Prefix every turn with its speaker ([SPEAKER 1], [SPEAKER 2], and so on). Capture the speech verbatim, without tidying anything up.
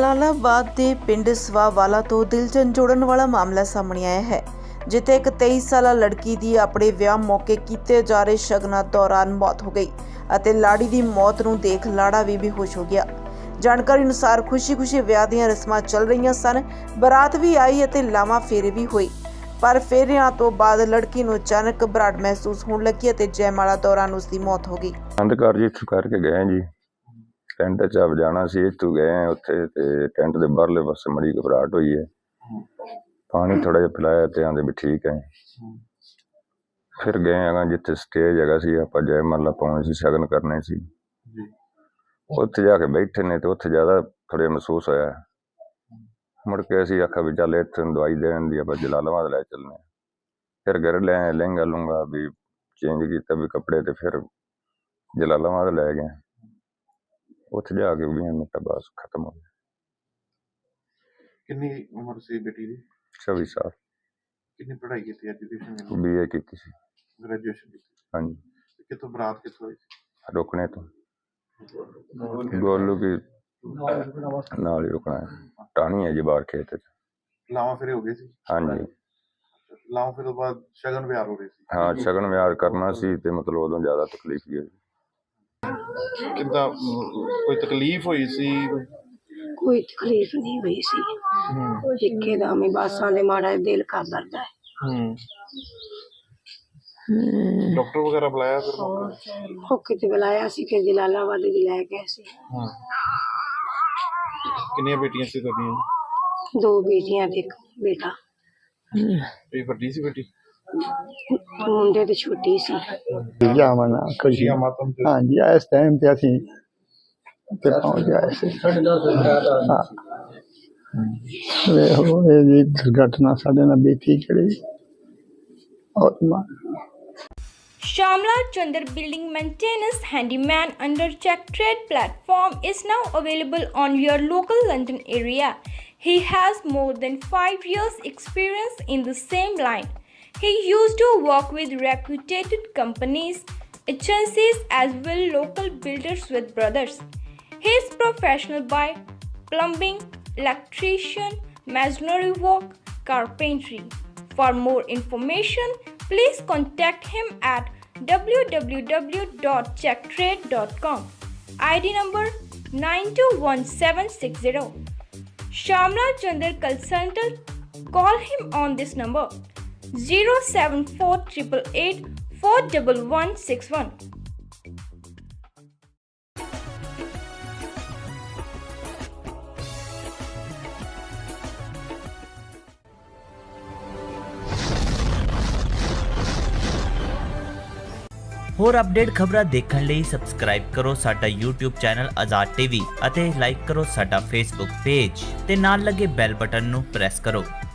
[SPEAKER 1] ਜਲਾਲਾਬਾਦ ਦੇ ਪਿੰਡ ਸਵਾਵਾਲਾ ਤੋਂ ਦਿਲ ਝੰਜੋੜਨ ਵਾਲਾ ਮਾਮਲਾ ਸਾਹਮਣੇ ਆਇਆ ਹੈ, ਜਿੱਥੇ ਇੱਕ ਤੇਈ ਸਾਲਾ ਲੜਕੀ ਦੀ ਆਪਣੇ ਵਿਆਹ ਮੌਕੇ ਕੀਤੇ ਜਾ ਰਹੇ ਸ਼ਗਨਾਂ ਦੌਰਾਨ ਮੌਤ ਹੋ ਗਈ ਅਤੇ ਲਾੜੀ ਦੀ ਮੌਤ ਨੂੰ ਦੇਖ ਲਾੜਾ ਵੀ ਬੇਹੋਸ਼ ਹੋ ਗਿਆ। ਜਾਣਕਾਰੀ ਅਨੁਸਾਰ ਖੁਸ਼ੀ-ਖੁਸ਼ੀ ਵਿਆਹ ਦੀਆਂ ਰਸਮਾਂ ਚੱਲ ਰਹੀਆਂ ਸਨ, ਬਰਾਤ ਵੀ ਆਈ ਅਤੇ ਲਾਵਾਂ ਫੇਰੇ ਵੀ ਹੋਈ, ਪਰ ਫੇਰਿਆਂ ਤੋਂ ਬਾਅਦ ਲੜਕੀ ਨੂੰ ਅਚਾਨਕ ਘਬਰਾਹਟ ਮਹਿਸੂਸ ਹੋਣ ਲੱਗੀ ਅਤੇ ਜੈਮਾਲਾ ਦੌਰਾਨ ਉਸ ਦੀ ਮੌਤ ਹੋ ਗਈ।
[SPEAKER 2] ਅੰਧਕਾਰ ਜੀ ਇੱਥੋਂ ਕਰਕੇ ਗਏ ਜੀ, ਟੈਂਟ 'ਚ ਆਪ ਜਾਣਾ ਸੀ, ਇੱਥੋਂ ਗਏ ਉੱਥੇ ਤੇ ਟੈਂਟ ਦੇ ਬਾਹਰਲੇ ਪਾਸੇ ਮੜੀ ਘਬਰਾਹਟ ਹੋਈ ਹੈ, ਪਾਣੀ ਥੋੜਾ ਜਿਹਾ ਪਿਲਾਇਆ ਤੇ ਆਂਦੇ ਵੀ ਠੀਕ ਹੈ। ਫਿਰ ਗਏ ਹੈਗਾ ਜਿੱਥੇ ਸਟੇਜ ਹੈਗਾ ਸੀ, ਆਪਾਂ ਜੈਮਾਲਾ ਪਾਉਣੀ ਸੀ, ਸ਼ਗਨ ਕਰਨੇ ਸੀ, ਉੱਥੇ ਜਾ ਕੇ ਬੈਠੇ ਨੇ ਤੇ ਉੱਥੇ ਜ਼ਿਆਦਾ ਥੋੜ੍ਹਾ ਮਹਿਸੂਸ ਹੋਇਆ। ਮੁੜ ਕੇ ਅਸੀਂ ਆਖਿਆ ਵੀ ਚੱਲ ਇੱਥੇ ਦਵਾਈ ਦੇਣ ਦੀ ਆਪਾਂ ਜਲਾਲਾਬਾਦ ਲੈ ਚੱਲਦੇ। ਫਿਰ ਘਰ ਲੈ ਲਹਿੰਗਾ ਲੂੰਗਾ ਵੀ ਚੇਂਜ ਕੀਤਾ ਵੀ ਕੱਪੜੇ ਤੇ ਫਿਰ ਜਲਾਲਾਬਾਦ ਲੈ ਗਏ। ਉੱਥੇ ਜਾ ਕੇ ਵੀਹ ਮਿੰਟ ਬਸ ਖਤਮ ਹੋ ਗਿਆ।
[SPEAKER 3] ਕਿੰਨੀ ਉਮਰ ਸੀ ਬੇਟੀ ਦੀ?
[SPEAKER 2] ਛੱਬੀ ਸਾਲ।
[SPEAKER 3] ਕਿੰਨੀ ਪੜ੍ਹਾਈ ਕੀਤੀ? ਐਜੂਕੇਸ਼ਨ?
[SPEAKER 2] ਬੀ ਏ ਕੀਤੀ ਸੀ।
[SPEAKER 3] ਗ੍ਰੈਜੂਏਸ਼ਨ ਕੀਤੀ?
[SPEAKER 2] ਹਾਂਜੀ।
[SPEAKER 3] ਕਿੱਥੋਂ ਬਰਾਤ ਕਿੱਥੋਂ ਹੋਈ ਸੀ?
[SPEAKER 2] ਰੁਕਣੇ ਤੋਂ ਗੋਲੂ ਕੀ ਨਾਲ ਹੀ ਰੁਕਣਾ ਹੈ, ਟਾਹਣੀ ਹੈ ਜੀ ਬਾਹਰ ਖੇਤ 'ਚ।
[SPEAKER 3] ਲਾਵਾਂ ਫੇਰੇ ਹੋ ਗਏ ਸੀ?
[SPEAKER 2] ਹਾਂਜੀ।
[SPEAKER 3] ਲਾਵਾਂ ਫੇਰੇ ਤੋਂ ਬਾਅਦ ਸ਼ਗਨ ਵਿਆਹ ਹੋ ਰਹੇ ਸੀ?
[SPEAKER 2] ਹਾਂ, ਸ਼ਗਨ ਵਿਆਹ ਕਰਨਾ ਸੀ ਤੇ ਮਤਲਬ ਉਦੋਂ ਜ਼ਿਆਦਾ ਤਕਲੀਫ ਹੀ ਹੋਈ।
[SPEAKER 3] ਕਿੱਦਾਂ ਕੋਈ ਤਕਲੀਫ ਹੋਈ ਸੀ?
[SPEAKER 4] ਕੋਈ ਤਕਲੀਫ ਨਹੀਂ ਹੋਈ ਸੀ, ਇੱਕੇ ਦਮ ਹੀ ਬਾਸਾਂ ਦੇ ਮਾੜਾ ਦਿਲ ਕਰ ਦਰਦਾ ਹੈ।
[SPEAKER 3] ਹੂੰ। ਡਾਕਟਰ ਵਗੈਰਾ ਬੁਲਾਇਆ ਫਿਰ?
[SPEAKER 4] ਉਹ ਕਿਤੇ ਬੁਲਾਇਆ ਸੀ, ਫਿਰ ਜਲਾਲਾਬਾਦ ਵੀ ਲੈ ਗਏ ਸੀ।
[SPEAKER 3] ਹਾਂ। ਕਿੰਨੀਆਂ ਬੇਟੀਆਂ ਸੀ ਤੁਹਾਡੀਆਂ?
[SPEAKER 4] ਦੋ ਬੇਟੀਆਂ ਤੇ ਇੱਕ ਬੇਟਾ।
[SPEAKER 3] ਇਹ ਵੱਡੀ ਸੀ ਬੇਟੀ?
[SPEAKER 4] ਮੁੰਡੇ ਤੇ ਛੋਟੀ ਸੀ।
[SPEAKER 5] ਜਾਮਨਾ ਖੁਸ਼ੀ
[SPEAKER 3] ਮਾਤਮ ਤੇ?
[SPEAKER 5] ਹਾਂਜੀ, ਇਸ ਟਾਈਮ ਤੇ ਅਸੀਂ ਤੇ ਪਹੁੰਚ ਗਏ ਸੀ। ਹਾਂ, ਵੇਖੋ ਇਹ ਜੀ ਦੁਰਘਟਨਾ ਸਾਡੇ ਨਾਲ ਬੀਤੀ ਜਿਹੜੀ ਔਰ
[SPEAKER 6] Shamla Chandar Building Maintenance Handyman under Check Trade platform is now available on your local London area. He has more than five years experience in the same line. He used to work with reputed companies, agencies as well local builders with brothers. He is professional by plumbing, electrician, masonry work, carpentry. For more information, please contact him at w w w dot check trade dot com. I D number nine two one seven six zero. Shamla Chandar Consultant. Call him on this number zero seven four eight eight eight four one one six one.
[SPEAKER 7] ਹੋਰ update ਖਬਰਾਂ ਦੇਖਣ ਲਈ subscribe ਕਰੋ ਸਾਡਾ YouTube channel Azad TV ਅਤੇ like ਕਰੋ ਸਾਡਾ Facebook page ਤੇ ਨਾਲ ਲੱਗੇ ਬੈਲ ਬਟਨ ਨੂੰ ਪ੍ਰੈਸ ਕਰੋ।